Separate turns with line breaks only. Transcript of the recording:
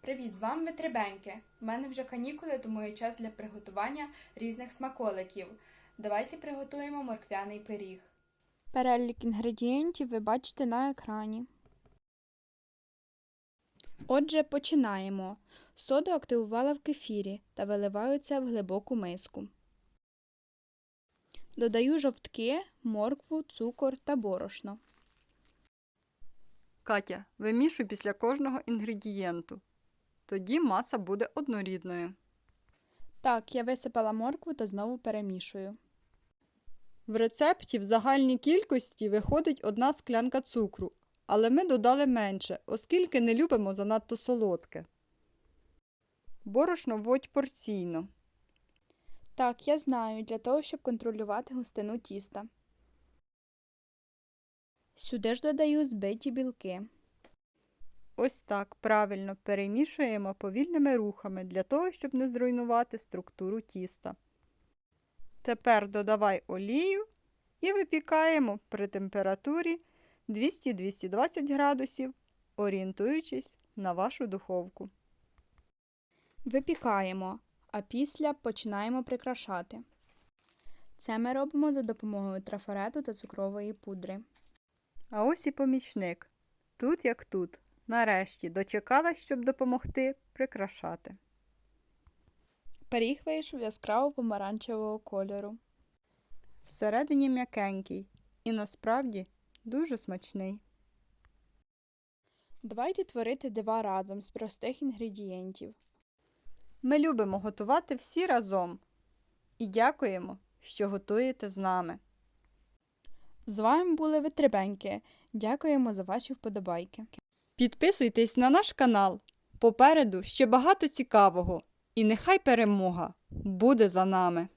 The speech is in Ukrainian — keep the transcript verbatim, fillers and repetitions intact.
Привіт, з вами Витребеньки. У мене вже канікули, тому є час для приготування різних смаколиків. Давайте приготуємо морквяний пиріг.
Перелік інгредієнтів ви бачите на екрані. Отже, починаємо. Соду активувала в кефірі та виливаю це в глибоку миску. Додаю жовтки, моркву, цукор та борошно.
Катя, вимішуй після кожного інгредієнту. Тоді маса буде однорідною.
Так, я висипала моркву та знову перемішую.
В рецепті в загальній кількості виходить одна склянка цукру, але ми додали менше, оскільки не любимо занадто солодке. Борошно вводь порційно.
Так, я знаю, для того, щоб контролювати густину тіста. Сюди ж додаю збиті білки.
Ось так правильно перемішуємо повільними рухами, для того, щоб не зруйнувати структуру тіста. Тепер додавай олію і випікаємо при температурі двісті - двісті двадцять градусів, орієнтуючись на вашу духовку.
Випікаємо, а після починаємо прикрашати. Це ми робимо за допомогою трафарету та цукрової пудри.
А ось і помічник. Тут як тут. Нарешті дочекалась, щоб допомогти прикрашати.
Пиріг вийшов яскраво помаранчевого кольору.
Всередині м'якенький і насправді дуже смачний.
Давайте творити дива разом з простих інгредієнтів.
Ми любимо готувати всі разом. І дякуємо, що готуєте з нами.
З вами були Витребеньки. Дякуємо за ваші вподобайки.
Підписуйтесь на наш канал. Попереду ще багато цікавого. І нехай перемога буде за нами.